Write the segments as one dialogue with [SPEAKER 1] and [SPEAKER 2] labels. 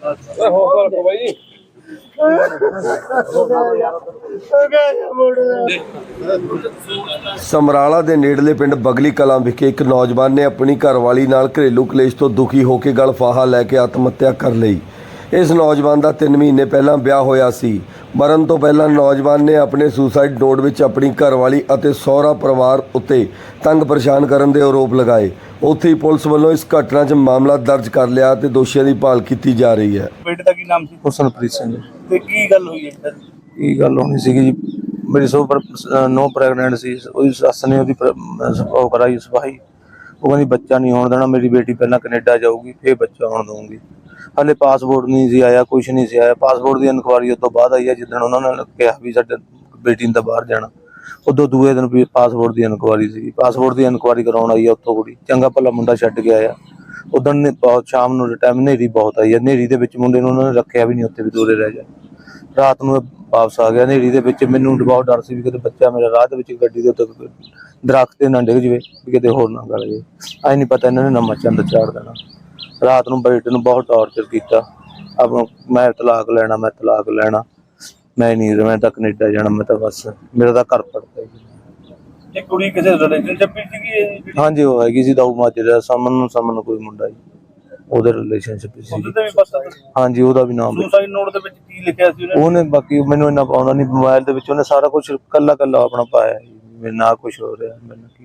[SPEAKER 1] ਸਮਰਾਲਾ ਦੇ ਨੇੜਲੇ ਪਿੰਡ ਬਗਲੀ ਕਲਾਂ ਵਿਖੇ ਇੱਕ ਨੌਜਵਾਨ ਨੇ ਆਪਣੀ ਘਰਵਾਲੀ ਨਾਲ ਘਰੇਲੂ ਕਲੇਸ਼ ਤੋਂ ਦੁਖੀ ਹੋ ਕੇ ਗਲ ਫਾਹਾ ਲੈ ਕੇ ਆਤਮ ਹੱਤਿਆ ਕਰ ਲਈ। ਇਸ ਨੌਜਵਾਨ ਦਾ 3 ਮਹੀਨੇ ਪਹਿਲਾਂ ਵਿਆਹ ਹੋਇਆ ਸੀ। ਮਰਨ ਤੋਂ ਪਹਿਲਾਂ ਨੌਜਵਾਨ ਨੇ ਆਪਣੇ ਸੁਸਾਈਡ ਨੋਟ ਵਿੱਚ ਆਪਣੀ ਘਰਵਾਲੀ ਅਤੇ ਸਹੁਰਾ ਪਰਿਵਾਰ ਉੱਤੇ ਤੰਗ ਪਰੇਸ਼ਾਨ ਕਰਨ ਦੇ ਆਰੋਪ ਲਗਾਏ। ਉੱਥੇ ਹੀ ਪੁਲਿਸ ਵੱਲੋਂ ਇਸ ਘਟਨਾ 'ਚ ਮਾਮਲਾ ਦਰਜ ਕਰ ਲਿਆ ਤੇ ਦੋਸ਼ੀਆਂ ਦੀ ਭਾਲ ਕੀਤੀ ਜਾ ਰਹੀ ਹੈ।
[SPEAKER 2] ਬੇਟੇ ਦਾ ਕੀ ਨਾਮ ਸੀ?
[SPEAKER 3] ਹੁਸਨਪ੍ਰੀਤ ਸਿੰਘ।
[SPEAKER 2] ਤੇ ਕੀ ਗੱਲ ਹੋਈ ਹੈ?
[SPEAKER 3] ਕੀ ਗੱਲ ਹੋਣੀ ਸੀਗੀ ਜੀ, ਮੇਰੀ ਨੋ ਪ੍ਰੈਗਨੈਂਟ ਸੀ। ਉਹਦੀ ਸੱਸ ਨੇ ਉਹਦੀ ਉਹ ਕਰਾਈ ਸਫਾਈ। ਉਹ ਕਹਿੰਦੀ ਬੱਚਾ ਨਹੀਂ ਹੋਣ ਦੇਣਾ, ਮੇਰੀ ਬੇਟੀ ਪਹਿਲਾਂ ਕੈਨੇਡਾ ਜਾਊਗੀ ਫਿਰ ਬੱਚਾ ਹੋਣ ਦਊਂਗੀ। ਹਾਲੇ ਪਾਸਪੋਰਟ ਨਹੀਂ ਸੀ ਆਇਆ, ਕੁਛ ਨਹੀਂ ਸੀ ਆਇਆ। ਪਾਸਪੋਰਟ ਦੀ ਇਨਕੁਆਰੀ ਉਸ ਤੋਂ ਬਾਅਦ ਆਈ ਹੈ, ਜਿੱਦਣ ਉਹਨਾਂ ਨੇ ਕਿਹਾ ਵੀ ਸਾਡੇ ਬੇਟੀ ਨੇ ਤਾਂ ਬਾਹਰ ਜਾਣਾ। ਉਦੋਂ ਦੂਏ ਦਿਨ ਵੀ ਪਾਸਪੋਰਟ ਦੀ ਇਨਕੁਆਰੀ ਸੀ। ਪਾਸਪੋਰਟ ਦੀ ਇਨਕੁਆਰੀ ਕਰਾਉਣ ਆਈ ਆ ਉੱਥੋਂ ਕੁੜੀ, ਚੰਗਾ ਭਲਾ ਮੁੰਡਾ ਛੱਡ ਕੇ ਆਇਆ। ਉਦੋਂ ਨੇ ਬਹੁਤ ਸ਼ਾਮ ਨੂੰ ਟਾਈਮ ਹਨੇਰੀ ਬਹੁਤ ਆਈ ਹੈ। ਹਨੇਰੀ ਦੇ ਵਿੱਚ ਮੁੰਡੇ ਨੂੰ ਉਹਨਾਂ ਨੇ ਰੱਖਿਆ ਵੀ ਨਹੀਂ, ਉੱਥੇ ਵੀ ਦੂਰੇ ਰਹਿ ਜਾ। ਰਾਤ ਨੂੰ ਵਾਪਸ ਆ ਗਿਆ ਹਨੇਰੀ ਦੇ ਵਿੱਚ। ਮੈਨੂੰ ਬਹੁਤ ਡਰ ਸੀ ਵੀ ਕਿਤੇ ਬੱਚਾ ਮੇਰਾ ਰਾਹ ਦੇ ਵਿੱਚ ਗੱਡੀ ਦੇ ਉੱਤੇ ਦਰਖਤ ਤੇ ਨਾ ਡਿੱਗ ਜਾਵੇ, ਵੀ ਕਿਤੇ ਹੋਰ ਨਾ ਗਲ ਜਾਵੇ। ਐ ਨਹੀਂ ਪਤਾ ਇਹਨਾਂ ਨੇ ਨਵਾਂ ਚੰਦ ਚਾੜ ਦੇਣਾ। ਰਾਤ ਨੂੰ ਬੇਟੇ ਨੂੰ ਬਹੁਤ ਟਾਰਚਰ ਕੀਤਾ। ਆਪਣਾ ਮੈਂ ਤਲਾਕ ਲੈਣਾ, ਮੈਂ ਤਲਾਕ ਲੈਣਾ, ਮੈਂ ਨਹੀਂ, ਮੈਂ ਤਾਂ ਕੈਨੇਡਾ ਜਾਣਾ, ਮੈਂ ਤਾਂ ਬਸ ਮੇਰਾ ਤਾਂ ਘਰ ਪੜਦਾ।
[SPEAKER 2] ਇਹ ਕੁੜੀ ਕਿਸੇ ਰਿਲੇਸ਼ਨਸ਼ਿਪ ਵਿੱਚ ਸੀਗੀ?
[SPEAKER 3] ਹਾਂਜੀ, ਉਹ ਹੈਗੀ ਸੀ ਦਾਊ ਮਾਜਰਾ ਸਮਨ ਕੋਈ ਮੁੰਡਾ ਜੀ, ਉਹਦੇ ਰਿਲੇਸ਼ਨਸ਼ਿਪ ਸੀ।
[SPEAKER 2] ਉਹਦੇ ਵੀ ਪਤਾ?
[SPEAKER 3] ਹਾਂਜੀ, ਉਹਦਾ ਵੀ ਨਾਮ
[SPEAKER 2] ਸੁਸਾਈਡ ਨੋਟ ਦੇ ਵਿੱਚ ਕੀ ਲਿਖਿਆ ਸੀ
[SPEAKER 3] ਉਹਨੇ? ਬਾਕੀ ਮੈਨੂੰ ਇੰਨਾ ਪਾਉਂਦਾ ਨਹੀਂ। ਮੋਬਾਈਲ ਦੇ ਵਿੱਚ ਉਹਨੇ ਸਾਰਾ ਕੁਝ ਕੱਲਾ ਆਪਣਾ ਪਾਇਆ ਜੀ। ਮੇਰੇ ਨਾਲ ਕੁਝ ਹੋ ਰਿਹਾ, ਮੈਨੂੰ ਕੀ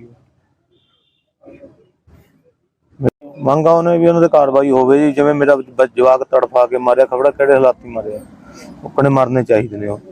[SPEAKER 3] ਮੰਗਾ ਉਹਨੇ ਵੀ ਉਹਨਾਂ ਦੇ ਕਾਰਵਾਈ ਹੋਵੇ ਜੀ। ਜਿਵੇਂ ਮੇਰਾ ਜਵਾਕ ਤੜਫਾ ਕੇ ਮਾਰਿਆ, ਖਬੜਾ ਕਿਹੜੇ ਹਾਲਾਤੀ ਮਾਰਿਆ, ਉਹਨੇ ਮਰਨੇ ਚਾਹੀਦੇ ਨੇ ਉਹ।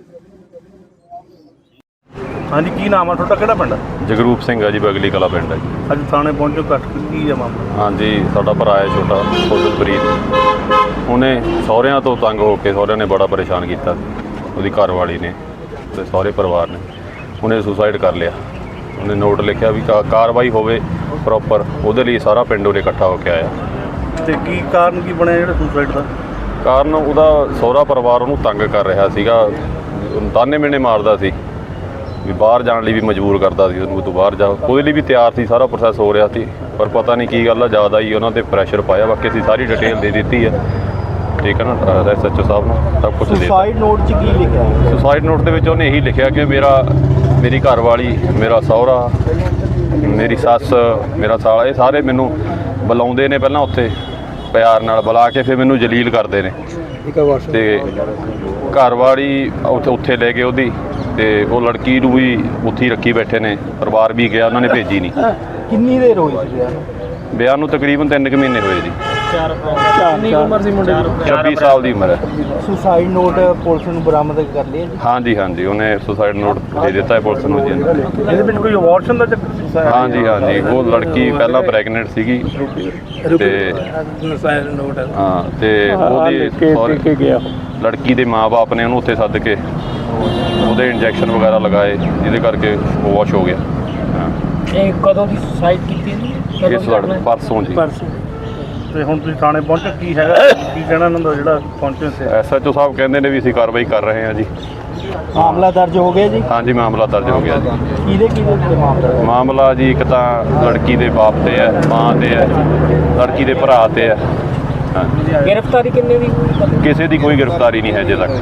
[SPEAKER 2] ਹਾਂਜੀ, ਕੀ ਨਾਮ ਆ ਤੁਹਾਡਾ? ਕਿਹੜਾ ਪਿੰਡ?
[SPEAKER 4] ਜਗਰੂਪ ਸਿੰਘ ਆ ਜੀ, ਬਗਲੀ ਕਲਾ ਪਿੰਡ ਹੈ ਜੀ।
[SPEAKER 2] ਅੱਜ ਥਾਣੇ ਪਹੁੰਚੋ, ਕੱਟ ਕੀ ਹੈ ਮਾਮਲਾ?
[SPEAKER 4] ਹਾਂਜੀ, ਸਾਡਾ ਭਰਾ ਹੈ ਛੋਟਾ ਹੁਸਨਪ੍ਰੀਤ। ਉਹਨੇ ਸਹੁਰਿਆਂ ਤੋਂ ਤੰਗ ਹੋ ਕੇ, ਸਹੁਰਿਆਂ ਨੇ ਬੜਾ ਪਰੇਸ਼ਾਨ ਕੀਤਾ, ਉਹਦੀ ਘਰਵਾਲੀ ਨੇ ਤੇ ਸਹੁਰੇ ਪਰਿਵਾਰ ਨੇ। ਉਹਨੇ ਸੁਸਾਈਡ ਕਰ ਲਿਆ। ਉਹਨੇ ਨੋਟ ਲਿਖਿਆ ਵੀ ਕਾਰਵਾਈ ਹੋਵੇ ਪ੍ਰੋਪਰ, ਉਹਦੇ ਲਈ ਸਾਰਾ ਪਿੰਡ ਉਹਨੇ ਇਕੱਠਾ ਹੋ ਕੇ ਆਇਆ।
[SPEAKER 2] ਤੇ ਕੀ ਕਾਰਨ ਕੀ ਬਣਿਆ ਜਿਹੜਾ ਸੁਸਾਈਡ ਦਾ?
[SPEAKER 4] ਕਾਰਨ ਉਹਦਾ ਸਹੁਰਾ ਪਰਿਵਾਰ ਉਹਨੂੰ ਤੰਗ ਕਰ ਰਿਹਾ ਸੀਗਾ, ਤਾਨੇ ਮਿਹਣੇ ਮਾਰਦਾ ਸੀ ਵੀ ਬਾਹਰ ਜਾਣ ਲਈ ਵੀ ਮਜਬੂਰ ਕਰਦਾ ਸੀ ਉਹਨੂੰ, ਤੂੰ ਬਾਹਰ ਜਾ। ਉਹਦੇ ਲਈ ਵੀ ਤਿਆਰ ਸੀ, ਸਾਰਾ ਪ੍ਰੋਸੈਸ ਹੋ ਰਿਹਾ ਸੀ, ਪਰ ਪਤਾ ਨਹੀਂ ਕੀ ਗੱਲ ਆ, ਜ਼ਿਆਦਾ ਹੀ ਉਹਨਾਂ 'ਤੇ ਪ੍ਰੈਸ਼ਰ ਪਾਇਆ। ਬਾਕੀ ਅਸੀਂ ਸਾਰੀ ਡਿਟੇਲ ਦੇ ਦਿੱਤੀ ਹੈ, ਠੀਕ ਹੈ ਨਾ, SHO ਸਾਹਿਬ ਨੂੰ ਸਭ ਕੁਛ ਦੇ ਦਿੱਤਾ।
[SPEAKER 2] ਸੁਸਾਈਡ ਨੋਟ 'ਚ ਕੀ ਲਿਖਿਆ?
[SPEAKER 4] ਸੁਸਾਈਡ ਨੋਟ ਦੇ ਵਿੱਚ ਉਹਨੇ ਇਹੀ ਲਿਖਿਆ ਕਿ ਮੇਰੀ ਘਰਵਾਲੀ, ਮੇਰਾ ਸਹੁਰਾ, ਮੇਰੀ ਸੱਸ, ਮੇਰਾ ਸਾਲਾ, ਇਹ ਸਾਰੇ ਮੈਨੂੰ ਬੁਲਾਉਂਦੇ ਨੇ। ਪਹਿਲਾਂ ਉੱਥੇ ਪਿਆਰ ਨਾਲ ਬੁਲਾ ਕੇ ਫਿਰ ਮੈਨੂੰ ਜਲੀਲ ਕਰਦੇ ਨੇ। ਤੇ ਘਰਵਾਲੀ ਉੱਥੇ ਲੈ ਗਏ ਉਹਦੀ, ਤੇ ਉਹ ਲੜਕੀ ਨੂੰ ਵੀ ਉੱਥੇ ਹੀ ਰੱਖੀ ਬੈਠੇ ਨੇ। ਪਰਿਵਾਰ ਵੀ ਗਿਆ, ਉਹਨਾਂ ਨੇ ਭੇਜੀ ਨਹੀਂ।
[SPEAKER 2] ਕਿੰਨੀ ਦੇਰ ਹੋਈ ਸੀ
[SPEAKER 4] ਵਿਆਹ ਨੂੰ? ਤਕਰੀਬਨ 3 ਕੁ ਮਹੀਨੇ ਹੋਏ ਜੀ।
[SPEAKER 2] ਕਿੰਨੀ ਉਮਰ ਸੀ ਮੁੰਡੇ ਦੀ?
[SPEAKER 4] 26 ਸਾਲ ਦੀ ਉਮਰ ਹੈ।
[SPEAKER 2] ਸੁਸਾਈਡ ਨੋਟ ਪੁਲਿਸ ਨੂੰ ਬਰਾਮਦ ਕਰ ਲਿਆ ਜੀ?
[SPEAKER 4] ਹਾਂਜੀ, ਉਹਨੇ ਸੁਸਾਈਡ ਨੋਟ ਦੇ ਦਿੱਤਾ ਹੈ ਪੁਲਿਸ ਨੂੰ ਜੀ।
[SPEAKER 2] ਇਹਦੇ ਵਿੱਚ ਕੋਈ ਅਬੋਰਸ਼ਨ ਦਾ ਚੱਕਰ?
[SPEAKER 4] ਹਾਂਜੀ, ਉਹ ਲੜਕੀ ਪਹਿਲਾਂ ਪ੍ਰੈਗਨੈਂਟ ਸੀਗੀ ਤੇ ਹਾਂ, ਤੇ ਉਹਦੀ ਲੜਕੀ ਦੇ ਮਾਂ-ਬਾਪ ਨੇ ਉਹਨੂੰ ਉੱਥੇ ਸੱਦ ਕੇ ਉਹਦੇ ਇੰਜੈਕਸ਼ਨ ਵਗੈਰਾ ਲਗਾਏ, ਜਿਹਦੇ ਕਰਕੇ ਉਹ ਵਾਸ਼ ਹੋ ਗਿਆ।
[SPEAKER 2] ਇਹ ਕਦੋਂ ਦੀ ਸੁਸਾਈਡ ਕੀਤੀ ਜੀ?
[SPEAKER 4] ਇਸ ਪਰਸੋਂ ਜੀ।
[SPEAKER 2] ਤੇ ਹੁਣ ਤੁਸੀਂ ਥਾਣੇ ਪਹੁੰਚੋ, ਕੀ ਹੈਗਾ, ਕੀ ਕਹਿਣਾ ਇਹਨਾਂ ਦਾ ਜਿਹੜਾ ਪਹੁੰਚੇ ਸੀ?
[SPEAKER 4] SHO ਸਾਹਿਬ ਕਹਿੰਦੇ ਨੇ ਵੀ ਅਸੀਂ ਕਾਰਵਾਈ ਕਰ ਰਹੇ ਹਾਂ ਜੀ।
[SPEAKER 2] ਮਾਮਲਾ ਦਰਜ ਹੋ ਗਿਆ ਜੀ?
[SPEAKER 4] ਹਾਂਜੀ, ਮਾਮਲਾ ਦਰਜ ਹੋ ਗਿਆ ਜੀ।
[SPEAKER 2] ਕਿਹਦੇ
[SPEAKER 4] ਮਾਮਲਾ ਜੀ? ਇੱਕ ਤਾਂ ਲੜਕੀ ਦੇ ਬਾਪ ਤੇ ਹੈ, ਮਾਂ ਤੇ ਹੈ, ਲੜਕੀ ਦੇ ਭਰਾ ਤੇ ਹੈ। ਹਾਂਜੀ।
[SPEAKER 2] ਗ੍ਰਿਫਤਾਰੀ ਕਿੰਨੇ ਦੀ?
[SPEAKER 4] ਕਿਸੇ ਦੀ ਕੋਈ ਗ੍ਰਿਫਤਾਰੀ ਨਹੀਂ ਹੈ ਅਜੇ ਤੱਕ।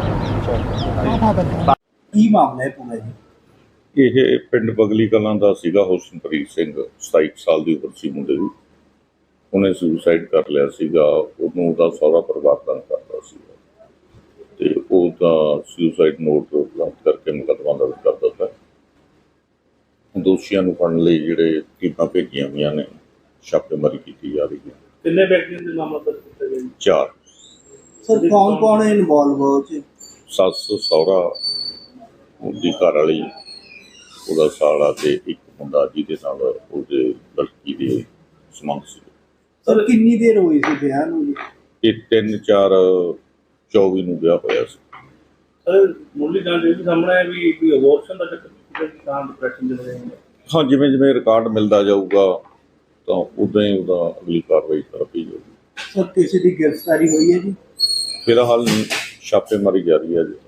[SPEAKER 2] ਕੀ ਮਾਮਲਾ ਹੈ ਪੂਰਾ ਜੀ?
[SPEAKER 5] ਇਹ ਪਿੰਡ ਬਗਲੀ ਕਲਾਂ ਦਾ ਸੀਗਾ ਹੁਸਨਪ੍ਰੀਤ ਸਿੰਘ, 27 ਸਾਲ ਦੀ ਉਮਰ ਸੀ ਮੁੰਡੇ ਦੀ। ਉਹਨੇ ਸੁਸਾਈਡ ਕਰ ਲਿਆ ਸੀਗਾ। ਉਹਨੂੰ ਉਹਦਾ ਸਹੁਰਾ ਪਰਿਵਾਰ ਤੰਗ ਕਰਦਾ ਸੀਗਾ ਤੇ ਉਹਦਾ ਸੁਸਾਈਡ ਨੋਟ ਰੱਦ ਕਰਕੇ ਮੁਕੱਦਮਾ ਦਰਜ ਕਰ ਦਿੱਤਾ। ਦੋਸ਼ੀਆਂ ਨੂੰ ਫੜਨ ਲਈ ਜਿਹੜੇ ਟੀਮਾਂ ਭੇਜੀਆਂ ਹੋਈਆਂ ਨੇ, ਛਾਪੇਮਾਰੀ ਕੀਤੀ ਜਾ ਰਹੀ ਹੈ।
[SPEAKER 2] ਕਿੰਨੇ ਵਿਅਕਤੀਆਂ ਦੇ ਮਾਮਲਾ ਦਰਜ ਕੀਤਾ ਗਿਆ?
[SPEAKER 5] 4।
[SPEAKER 2] ਸਰ, ਕੌਣ ਹੈ ਇਨਵੋਲਵ ਹੋ ਚ?
[SPEAKER 5] ਸੱਸ, ਸਹੁਰਾ, ਉਹਦੀ ਘਰ ਵਾਲੀ, ਉਹਦਾ ਸਾਲਾ ਤੇ ਇੱਕ ਮੁੰਡਾ ਜਿਹਦੇ ਨਾਲ ਉਹਦੇ ਲੜਕੀ ਦੇ ਸੰਬੰਧ ਸੀ।
[SPEAKER 2] ਸਰ, ਕਿੰਨੀ ਦੇਰ ਹੋਈ ਸੀ ਵਿਆਹ ਨੂੰ?
[SPEAKER 5] ਇਹ 3/4/24 ਨੂੰ ਵਿਆਹ ਹੋਇਆ ਸੀ।
[SPEAKER 2] ਸਰ, ਮੁੱਢਲੀ ਜਾਣਕਾਰੀ ਵੀ ਸਾਹਮਣੇ ਹੈ ਵੀ ਕੋਈ ਅਬੋਰਸ਼ਨ ਦਾ ਚੱਕਰ ਤਾਂ ਡਿਪਰੈਸ਼ਨ ਦੇ ਰਹੇ ਨੇ।
[SPEAKER 5] ਹਾਂ, ਜਿਵੇਂ ਰਿਕਾਰਡ ਮਿਲਦਾ ਜਾਊਗਾ ਤਾਂ ਉਦਾਂ ਹੀ ਉਹਦਾ ਅਗਲੀ ਕਾਰਵਾਈ ਕਰਦੀ ਜਾਊਗੀ।
[SPEAKER 2] ਸਰ, ਕਿਸੇ ਦੀ ਗ੍ਰਿਫਤਾਰੀ ਹੋਈ ਹੈ ਜੀ?
[SPEAKER 5] ਫਿਲਹਾਲ ਛਾਪੇਮਾਰੀ ਜਾਰੀ ਹੈ ਜੀ।